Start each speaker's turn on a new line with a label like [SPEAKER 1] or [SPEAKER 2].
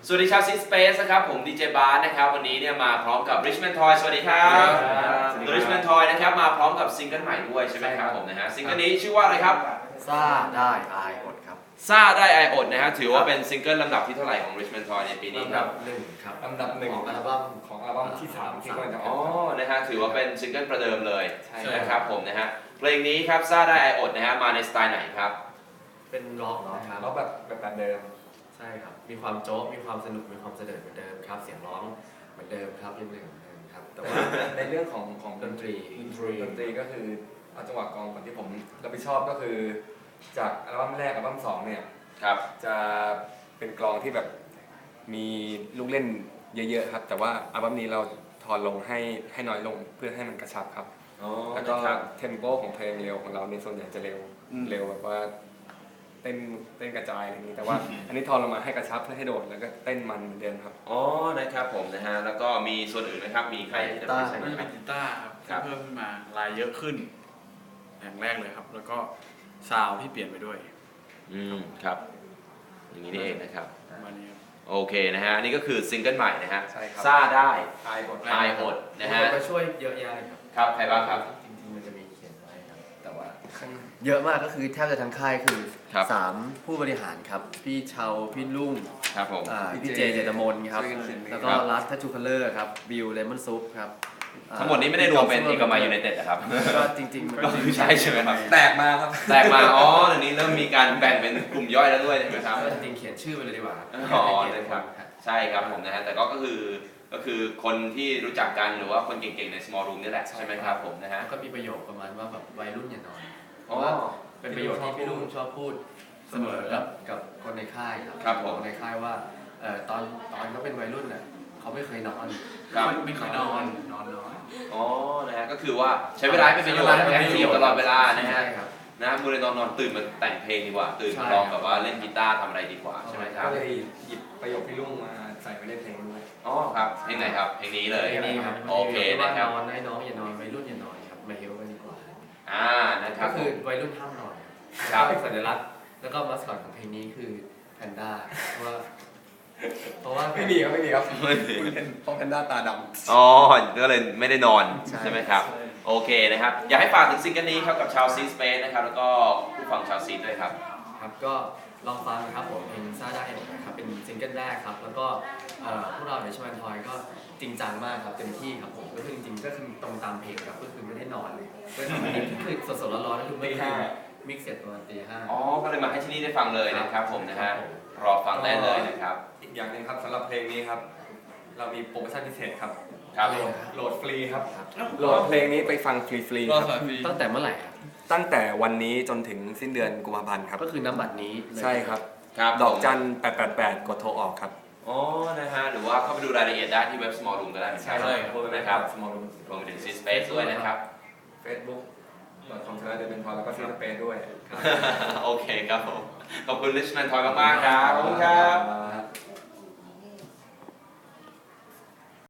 [SPEAKER 1] สวัสดีชาวซิสเปซนะครับผมดีเจบาร์นะครับวันนี้เนี่ยมาพร้อมกับ Richmond Toy สวัสดีครับตัว Richmond Toy นะครับมาพร้อมกับซิงเกิลใหม่ด้วยใช่ไหมครับผมนะฮะซิงเกิลนี้ชื่อว่าอะไรครับ
[SPEAKER 2] ซ่าได้อายอดครับ
[SPEAKER 1] ซ่าได้ไออดนะฮะถือว่าเป็นซิงเกิลลำดับที่เท่าไหร่ของ Richmond Toy ในปีนี้ครับ
[SPEAKER 2] หนึ่งครับ
[SPEAKER 3] ลำดับหนึ่ง
[SPEAKER 2] ของอัลบั้ม
[SPEAKER 3] ที่3ที่กำลังจะอ
[SPEAKER 1] อ๋อ
[SPEAKER 3] อก
[SPEAKER 1] นะฮะถือว่าเป็นซิงเกิลประเดิมเลย
[SPEAKER 3] ใช่
[SPEAKER 1] นะครับผมนะฮะเพลงนี้ครับซ่าได้ไออดนะฮะมาในสไตล์ไหนครับ
[SPEAKER 2] เป็นร็อกครับ
[SPEAKER 3] แล้วแบบเดิม
[SPEAKER 2] ใช่ครับมีความโจ๊กมีความสนุกมีความเสด็จเหมือนเดิมครับเสียงร้องเหมือนเดิมครับยังเหมือนเดิมครับแต่ว่า
[SPEAKER 3] ในเรื่องของ
[SPEAKER 2] ดนตรี
[SPEAKER 3] ก็คือเอาจังหวะกลองก่อนที่ผมรับผิดชอบก็คือจากอัลบั้มแรกอัลบั้ม2เนี่ย
[SPEAKER 1] ครับ
[SPEAKER 3] จะเป็นกลองที่แบบมีลูกเล่นเยอะๆครับแต่ว่าอัลบั้มนี้เราทอนลงให้น้อยลงเพื่อให้มันกระชับครับแล้วก็เทมโปของเพลงเร็วของเราในส่วนใหญ่จะเร็วแบบว่าเต้นกระจายอะไรอย่างนี้แต่ว่าอันนี้ทอนลงมาให้กระชับเพื่อให้โดดแล้วก็เต้นมันเหมือนเดิมครับ
[SPEAKER 1] อ๋อนะครับผมนะฮะแล้วก็มีส่วนอื่นไหมครับมีใครที่จะใช้ไหม
[SPEAKER 4] น่าจะเป็นกีตาร์ครับเพิ่มขึ้นมาลายเยอะขึ้นอย่างแรกเลยครับแล้วก็ซาวด์ที่เปลี่ยนไปด้วย
[SPEAKER 1] ครับอย่างนี้นี่เองนะครับ
[SPEAKER 4] ประมาณนี้ครับ
[SPEAKER 1] โอเคนะฮะนี่ก็คือซิงเกิลใหม่นะฮะ
[SPEAKER 3] ใช่ครับ
[SPEAKER 1] ซ่าได้
[SPEAKER 3] อายอด
[SPEAKER 1] อายอดนะฮะ
[SPEAKER 2] ก็ช่วยเยอะแยะเลยครับ
[SPEAKER 1] ครับใครบ้างครับ
[SPEAKER 2] จริงๆมันจะมีเขียนไว้ครับแต่ว่าเยอะมากก็คือแทบจะทั้งค่ายคือ3ผู้บริหารครับพี่เชาพี่ลุง
[SPEAKER 1] ครับผม
[SPEAKER 2] พี่เจเจตมนครับแล้วก็รัสทัชชูคัลเลอร์ครับบิวเลมอนซุปครับ
[SPEAKER 1] ทั้งหมดนี้ไม่ได้รวมเป็นเอกมัยยูไนเต็ดนะครับ
[SPEAKER 2] ก็จริงๆมัน
[SPEAKER 1] ก็คือใช่ใช่ไหมครับ
[SPEAKER 3] แตกมาครับ
[SPEAKER 1] แตกมาอ๋อเดี๋ยวนี้เริ่มมีการแบ่งเป็นกลุ่มย่อยแล้วด้วยใช่ไหมครับ
[SPEAKER 2] จริงๆเขียนชื่อไปเลยดีกว่า
[SPEAKER 1] อ๋อนะครับใช่ครับผมนะฮะแต่ก็คือคนที่รู้จักกันหรือว่าคนเก่งๆใน small room นี่แหละใช่ไหมครับผมนะฮะ
[SPEAKER 2] ก็มีประโยคประมาณว่าแบบวัยรุ่นอย่านอนเพ
[SPEAKER 1] อ๋อ
[SPEAKER 2] ราะว่าเป็นประโยคที่พี่ลุงชอบพูดเสมอกับคนในค่ายครับคนในค่ายว่าตอนเขาเป็นวัยรุ่นน่ะเขาไม่เคยนอน
[SPEAKER 4] ไม่เคยนอนน้อย
[SPEAKER 1] อ๋อนะฮะก็คือว่าใช้เวลาเป็นประโยชน์แอคทีฟตลอดเวลานะฮะนะมูเลยนอนตื่นมาแต่งเพลงดีกว่าตื่นมาลองแบบว่าเล่นกีตาร์ทำอะไรดีกว่าใช่ไหมครับ
[SPEAKER 3] ก็เลยหยิบประโยคพี่ลุงมาใส่ไว้ในเพลงด้วย
[SPEAKER 1] อ๋อครับเพลงไหนครับเพลงนี้เลยโอเคนะครับ
[SPEAKER 2] นอนให้น้องอย่านอนวัยรุ่นอย่านอนครับมาเฮลกันดีกว่า
[SPEAKER 1] นะครับ
[SPEAKER 2] ก็คือวัยรุ่นห้ามนอน
[SPEAKER 1] ครับ
[SPEAKER 2] สัญลักษณ์แล้วก็มาสคอตของเพลงนี้คือแพนด้าเพราะว่า
[SPEAKER 3] ไม่มีครับเพราะแพนด้าตาดำ
[SPEAKER 1] อ๋อก็เลยไม่ได้นอนใช่ไหมครับโอเคนะครับอยากให้ฝากถึงซิงเกิลนี้ครับกับชาวซีสเปซนะครับแล้วก็ผู้ฟังชาวซีด้วยครับ
[SPEAKER 2] ครับก็ลองฟังนะครับผมเพลงซ่าได้นะครับเป็นซิงเกิลแรกครับแล้วก็พวกเราในชวันทอยก็จริงจังมากครับเต็มที่ครับผมก็คือจริงๆก็คือตรงตามเพลงครับก็คือไม่ได้นอนเลยก็ทำอันนี้คือสดๆร้อนๆก็คือไม่ได้มิกซ์เสร็จประมาณตีห้า
[SPEAKER 1] อ๋อก็เลยมาให้ที่นี่ได้ฟังเลยนะครับผมนะฮะรอฟังได้เลยนะครับ
[SPEAKER 3] อีกอย่างหนึ่งครับสำหรับเพลงนี้ครับเรามีโปรโมชั่นพิเศษครับโหลดฟรีครับโหลดเพลงนี้ไปฟังฟรีๆครับ
[SPEAKER 2] ตั้งแต่เมื่อไหร่ครับ
[SPEAKER 3] ตั้งแต่วันนี้จนถึงสิ้นเดือนกุมภาพันธ์ครับ
[SPEAKER 2] ก็คือน้ำบัตรนี้
[SPEAKER 3] ใช่ครับดอกจัน888กดโทรออกครับ
[SPEAKER 1] อ๋อนะฮะหรือว่าเข้าไปดูรายละเอียดได้ที่เว็บ Small Room ก็ได้
[SPEAKER 3] ใช่เลย
[SPEAKER 1] นะครับ
[SPEAKER 3] Small Room
[SPEAKER 1] รวมไปถึง Space ด้วยนะครับ
[SPEAKER 3] facebook.com/thebentoy แล้วก็ Space ด้วย
[SPEAKER 1] โอเคครับผมขอบคุณ Richmond Toy มากๆครับขอบคุณครับ